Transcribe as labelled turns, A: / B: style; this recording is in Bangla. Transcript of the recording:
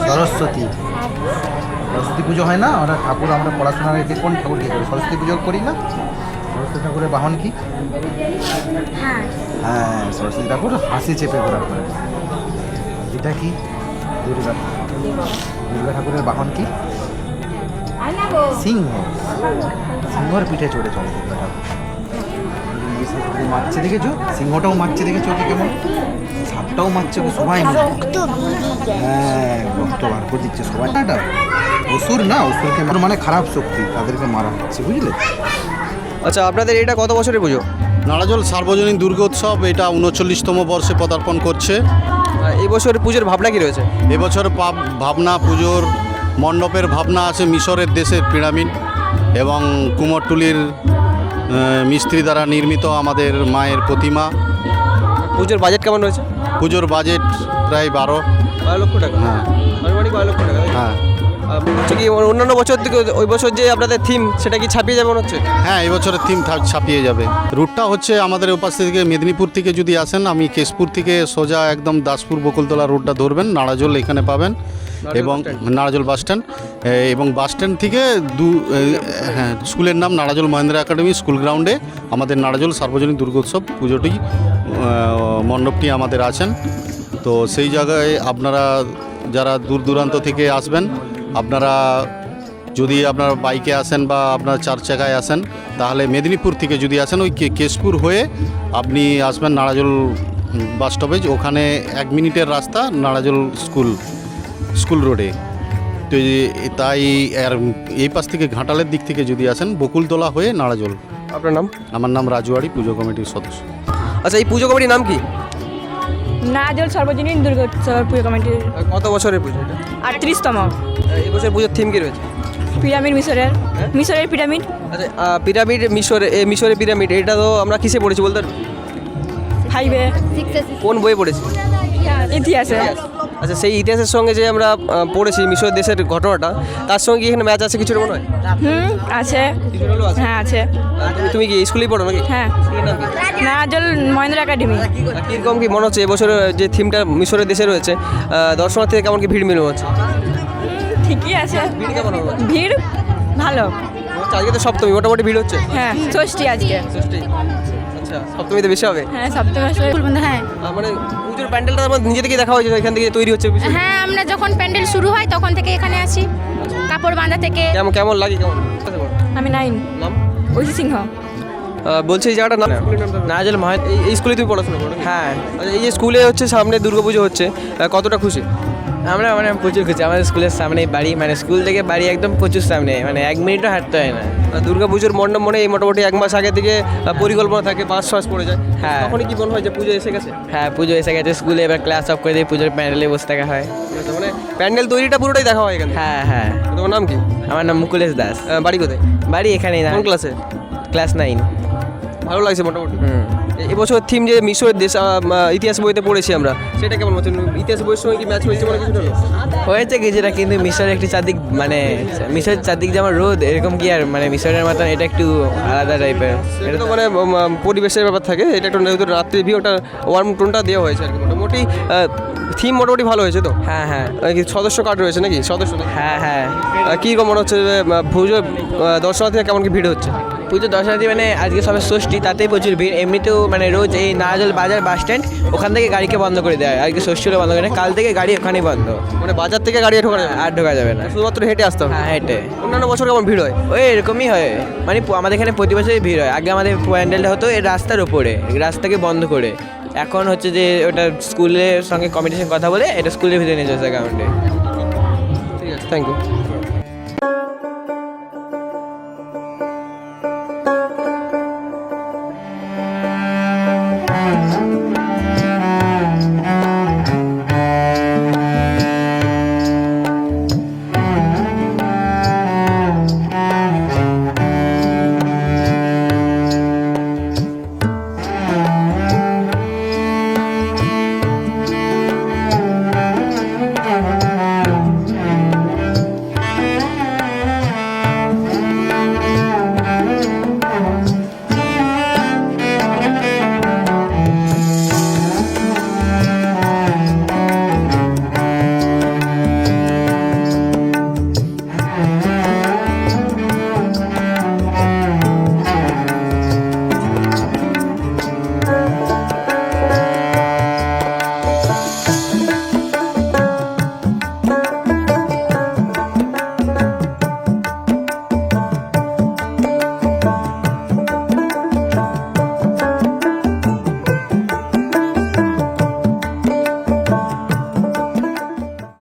A: সরস্বতী সরস্বতী পুজো হয় না, আমরা ঠাকুর আমরা পড়াশোনা রেখে কোন ঠাকুরকে করি? সরস্বতী পুজো করি না? সরস্বতী ঠাকুরের বাহন কি? হ্যাঁ, সরস্বতী ঠাকুর হাসি চেপে ঘোরা করে। এটা কি? দুর্গা। দুর্গা ঠাকুরের বাহন কি? সিংহ। সিংহর পিঠে চড়ে চলে দুর্গা ঠাকুর। মারছে দেখেছো? সিংহটাও মারছে দেখেছো ওকে কেমন? সাপটাও মারছে ওকে সবাই মিলে। হ্যাঁ, রক্ত বার করে দিচ্ছে সবাই। এটা অসুর না, অসুরকে মানে খারাপ শক্তি, তাদেরকে মারা হচ্ছে, বুঝলে?
B: আচ্ছা, আপনাদের এটা কত বছরের পুজো?
C: নাড়াজল সার্বজনীন দুর্গোৎসব এটা 39তম বর্ষে পদার্পণ করছে।
B: এই বছর পুজোর ভাবনা কি রয়েছে?
C: এবছর ভাবনা, পুজোর মণ্ডপের ভাবনা আছে মিশরের দেশের পিরামিড এবং কুমোরটুলির মিস্ত্রি দ্বারা নির্মিত আমাদের মায়ের প্রতিমা।
B: পুজোর বাজেট কেমন রয়েছে?
C: পুজোর বাজেট প্রায় 12
B: লক্ষ টাকা।
C: হ্যাঁ,
B: আনুমানিক 12 লক্ষ টাকা।
C: হ্যাঁ,
B: হচ্ছে কি অন্যান্য বছর থেকে ওই বছর যে আপনাদের থিম সেটা কি ছাপিয়ে যাবে মনে হচ্ছে?
C: হ্যাঁ, এবছরের থিম ছাপিয়ে যাবে। রুটটা হচ্ছে আমাদের ওপাশ থেকে মেদিনীপুর থেকে যদি আসেন, আমি কেশপুর থেকে সোজা একদম দাসপুর বকুলতলা রোডটা ধরবেন, নাড়াজল এখানে পাবেন এবং নাড়াজল বাস স্ট্যান্ড, এবং বাস স্ট্যান্ড থেকে হ্যাঁ, স্কুলের নাম নাড়াজল মহেন্দ্র একাডেমি স্কুল গ্রাউন্ডে আমাদের নাড়াজল সার্বজনীন দুর্গোৎসব পুজোটি মণ্ডপটি আমাদের আছেন। তো সেই জায়গায় আপনারা যারা দূর দূরান্ত থেকে আসবেন, আপনারা যদি আপনার বাইকে আসেন বা আপনার 4 চাকায় আসেন, তাহলে মেদিনীপুর থেকে যদি আসেন ওই কেশপুর হয়ে আপনি আসবেন নাড়াজল বাস স্টপেজ, ওখানে 1 মিনিটের রাস্তা নাড়াজল স্কুল রোডে। তো তাই আর এই পাশ থেকে ঘাটালের দিক থেকে যদি আসেন বকুলতলা হয়ে নাড়াজল।
B: আপনার নাম?
C: আমার নাম রাজুয়াড়ি, পুজো কমিটির সদস্য।
B: আচ্ছা, এই পুজো কমিটির নাম কি?
D: নাড়াজল সার্বজনীন দুর্গোৎসব পুজো কমিটির
B: কত বছরের পুজো এটা?
D: 38তম।
B: এই বছর পুজোর থিম কি রয়েছে?
D: পিরামিড মিশরের পিরামিড।
B: আচ্ছা, পিরামিড মিশরের পিরামিড, এটা তো আমরা কিসে পড়েছি বলতে পারবেন?
D: 5-এ।
B: কোন বইয়ে পড়েছি?
D: ইতিহাসে।
B: আচ্ছা, সেই ইতিহাসের সঙ্গে যে আমরা পড়েছি মিশর দেশের ঘটনাটা, তার সঙ্গে কি এখানে ম্যাচ আছে কিছু মনে হয়?
D: আছে।
B: কিছু হলেও আছে?
D: হ্যাঁ, আছে।
B: তুমি কি স্কুলেই পড়ো নাকি?
D: হ্যাঁ,
B: স্কুলের নাম কি?
D: নাড়াজল মহেন্দ্র একাডেমি।
B: কীরকম কি মনে হচ্ছে এবছর যে থিমটা মিশরের দেশে রয়েছে, দর্শনার্থীদের কেমন কি ভিড় মিলে হচ্ছে?
D: ঠিকই আছে।
B: ভিড় কেমন হবে?
D: ভিড় ভালো।
B: আজকে তো সপ্তমী, মোটামুটি ভিড় হচ্ছে।
D: হ্যাঁ, ষষ্ঠী আজকে।
B: ষষ্ঠী। আচ্ছা, সপ্তমীতে বেশি হবে?
D: হ্যাঁ, সপ্তমী বন্ধু। হ্যাঁ,
B: মানে পুজোর প্যান্ডেলটা আমার নিজে থেকে দেখা হয়েছে, এখান থেকে তৈরি হচ্ছে বিষয়?
E: হ্যাঁ, আমরা যখন প্যান্ডেল শুরু হয় তখন থেকে এখানে আসি, কাপড় বাঁধা থেকে।
B: কেমন লাগে? কেমন?
D: আমি 9।
B: নাম?
D: ঐশী সিংহ।
B: বলছি এই জায়গাটার নাম?
F: নাড়াজল
B: এই স্কুলে তুমি পড়াশোনা করো?
F: হ্যাঁ,
B: আচ্ছা, এই যে স্কুলে হচ্ছে সামনে দুর্গাপুজো হচ্ছে, কতটা খুশি?
F: আমরা মানে প্রচুর খুশি। আমাদের স্কুলের সামনেই বাড়ি, মানে স্কুল থেকে বাড়ি একদম প্রচুর সামনে, মানে 1 মিনিটও হাঁটতে হয় না।
B: দুর্গাপুজোর মণ্ডপ মনে এই মোটামুটি 1 মাস আগে থেকে পরিকল্পনা থাকে, 5 মাস পড়ে যায়।
F: হ্যাঁ।
B: তখনই কি মনে হয় যে পুজো এসে গেছে?
F: হ্যাঁ, পুজো এসে গেছে, স্কুলে এবার ক্লাস অফ করে দিয়ে পুজোর প্যান্ডেলে বসে থাকা হয়।
B: আচ্ছা, মানে প্যান্ডেল তৈরিটা পুরোটাই দেখা হয় এখানে?
F: হ্যাঁ, হ্যাঁ।
B: তোমার নাম কি?
F: আমার নাম মুকুলেশ দাস।
B: বাড়ি কোথায়?
F: বাড়ি এখানেই না।
B: কোন ক্লাসে?
F: ক্লাস 9।
B: ভালো লাগছে মোটামুটি।
F: হুম।
B: এবছর থিম যে মিশরের দেশ, ইতিহাস বইতে পড়েছি আমরা, সেটা কেমন হচ্ছে? ইতিহাস বইয়ের সঙ্গে কি ম্যাচ হয়েছে মনে কিছু হলো?
F: হয়েছে কিছুটা, কিন্তু মিশরের একটি চারদিক, মানে মিশরের চারদিক যেমন রোদ, এরকম কি আর মানে মিশরের মতন এটা একটু আলাদা টাইপের।
B: এটা তো মানে পরিবেশের ব্যাপার থাকে, এটা একটু রাত্রি ভিউ, একটা ওয়ার্ম টোনটা দেওয়া হয়েছে আর কি। মোটামুটি থিম মোটামুটি ভালো হয়েছে তো?
F: হ্যাঁ, হ্যাঁ।
B: কি সদস্য কার্ড রয়েছে নাকি? সদস্য নাকি?
F: হ্যাঁ, হ্যাঁ।
B: কীরকম মনে হচ্ছে যে পুজো দর্শনার্থীরা কেমন কি ভিড় হচ্ছে?
F: পুজো দর্শনার্থী মানে আজকে সবে ষষ্ঠী, তাতেই প্রচুর ভিড়। এমনিতেও মানে রোজ এই নাড়াজল বাজার বাস স্ট্যান্ড ওখান থেকে গাড়িকে বন্ধ করে দেয়, আজকে ষষ্ঠী হলে বন্ধ করে দেয়, কাল থেকে গাড়ি ওখানেই বন্ধ,
B: মানে বাজার থেকে গাড়ি ঢোকা যাবে?
F: আর ঢোকা যাবে না,
B: শুধুমাত্র হেঁটে আসতে হবে?
F: হ্যাঁ, হেঁটে।
B: অন্যান্য বছর কেমন ভিড় হয়?
F: ওই এরকমই হয়, মানে আমাদের এখানে প্রতি বছরই ভিড় হয়। আগে আমাদের প্যান্ডেলটা হতো এই রাস্তার ওপরে, রাস্তাকে বন্ধ করে। এখন হচ্ছে যে ওটা স্কুলের সঙ্গে কমিটির সঙ্গে কথা বলে এটা স্কুলের ভিতরে নিয়ে যাচ্ছে গ্রাউন্ডে।
B: ঠিক আছে, থ্যাংক ইউ।